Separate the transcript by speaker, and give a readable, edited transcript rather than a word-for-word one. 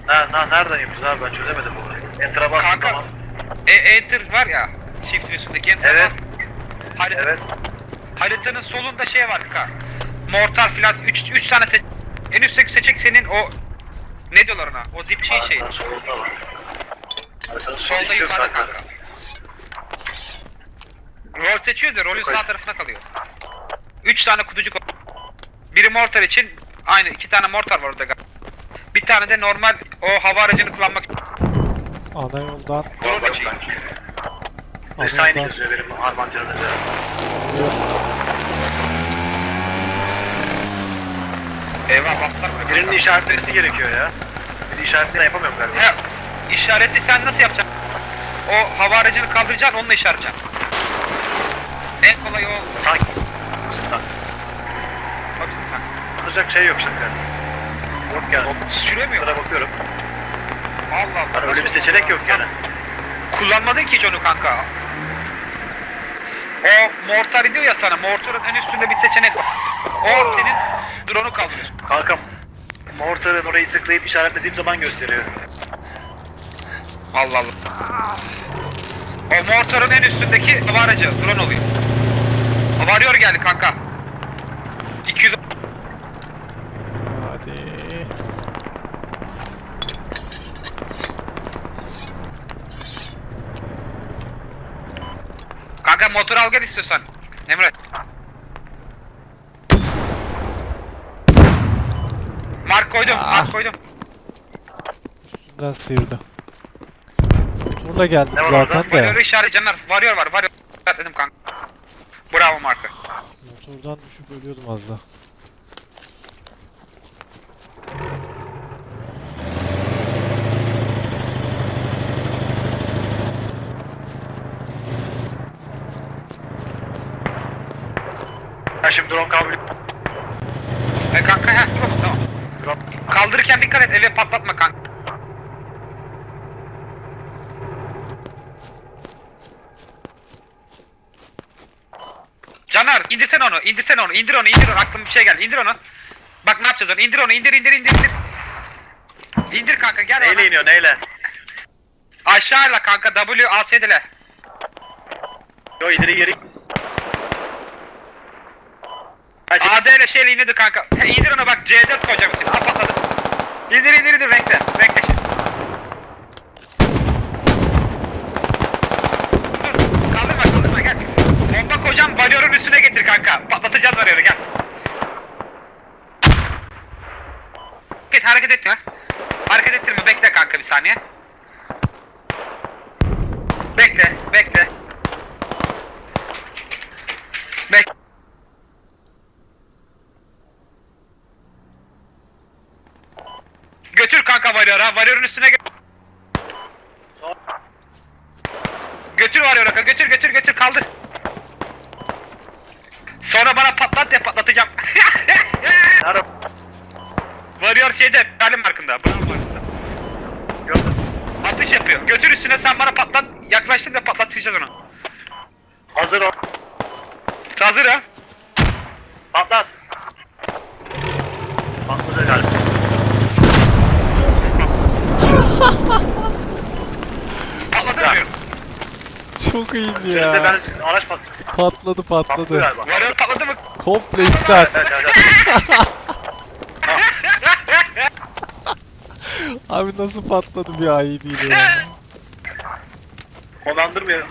Speaker 1: Nereden yapıyoruz abi, ben çözemedim bunu. Enter'a bastım
Speaker 2: Kanka,
Speaker 1: tamam.
Speaker 2: Enter var ya, shift'in üstündeki Enter'a
Speaker 1: Evet.
Speaker 2: bas.
Speaker 1: Evet.
Speaker 2: Haritanın solunda şey var kanka. Mortar filan 3 tane seç. En üstteki seçecek senin o ne diyorlar ona? O zip şey.
Speaker 1: Haritanın solunda var. Haritanın
Speaker 2: Solda
Speaker 1: hiç yok
Speaker 2: yukarıda kanka. Rol seçiyoruz ya, rolün
Speaker 1: Yok,
Speaker 2: sağ
Speaker 1: hayır.
Speaker 2: tarafına kalıyor. 3 tane kutucuk. Biri mortar için, aynı 2 tane mortar var orada galiba. Bir tane de normal o hava aracını kullanmak için.
Speaker 3: Ana yoldan.
Speaker 2: Drone için.
Speaker 1: Resign
Speaker 3: yoldan.
Speaker 1: yazıyor benim armancarımda.
Speaker 2: Eyvah bastılar buraya.
Speaker 1: Birinin işaretlemesi gerekiyor ya. Biri işaretleden yapamıyorum galiba.
Speaker 2: He, işaretli sen nasıl yapacaksın? O hava aracını kaldıracaksın, onunla işaretleceksin. En kolay o.
Speaker 1: Tank. Bizim tank.
Speaker 2: O bizim tank.
Speaker 1: Yapacak şey yok şaka. Yok yani.
Speaker 2: Süremiyor.
Speaker 1: Onlara bakıyorum.
Speaker 2: Allah Allah.
Speaker 1: Öyle bir seçenek yok yani.
Speaker 2: Kullanmadın ki hiç onu kanka. O mortar diyor ya sana, mortarın en üstünde bir seçenek var. O senin drone'u kaldırıyorsun.
Speaker 1: Kankam. Mortar'ın orayı tıklayıp işaretlediğim zaman gösteriyor.
Speaker 2: Allah Allah. O mortarın en üstündeki hava aracı, drone oluyor. Varıyor geldi kanka. 200.
Speaker 3: Hadi.
Speaker 2: Kanka motor al gel istiyorsan. Emre. Mark koydum, mark koydum.
Speaker 3: Üstünden sıyırdı. Motorla geldim
Speaker 1: Ne var
Speaker 3: zaten
Speaker 1: orada?
Speaker 3: de.
Speaker 2: Varıyor işaret canlar, varıyor dedim kanka. Bravo marka.
Speaker 3: Motordan düşüp ölüyordum az daha.
Speaker 1: Ben şimdi drone kabul.
Speaker 2: Kanka tamam.
Speaker 1: Drone.
Speaker 2: Kaldırırken dikkat et, eve patlatma kanka. Caner indirsene onu, indir onu, aklıma bir şey geldi, indir onu. Bak ne yapacağız onu, indir onu, indir. İndir kanka, gel
Speaker 1: Neyle
Speaker 2: bana.
Speaker 1: iniyor neyle?
Speaker 2: Aşağıyla kanka, WASD'le.
Speaker 1: Yo ileri geri.
Speaker 2: AD ile şeyle indirdi kanka. İndir onu bak, C4 koyacağım üstüne, patladı. İndir, bekle şimdi. Dur, kaldırma gel. Bomba koyacağım, varyorun üstüne getir kanka. Patlatacağız varyoru, gel. Hareket etme. Hareket ettirme, bekle kanka bir saniye. Bekle. Götür kanka varyoru, varyorun üstüne götür varyoru, götür kaldır. Sonra bana patlat ya, patlatacağım.
Speaker 1: Nerede?
Speaker 2: Varıyor şeyde, Berlin markında, Brown markında.
Speaker 1: Gördüm.
Speaker 2: Atış yapıyor. Götür üstüne, sen bana patlat. Yaklaştın da patlatacağız onu.
Speaker 1: Hazır o.
Speaker 2: Hazır ha?
Speaker 1: Patlat. Patladı galiba.
Speaker 2: Patlatamıyor.
Speaker 3: Çok iyiydi
Speaker 1: Önümde
Speaker 3: ya.
Speaker 1: ben araç patladı.
Speaker 3: Patladı
Speaker 1: Patladı galiba.
Speaker 2: Varıyor patladı mı?
Speaker 3: Komple iptal.
Speaker 1: Evet.
Speaker 3: Abi nasıl patladı bir ay değil ya.
Speaker 1: Onlandırmıyor.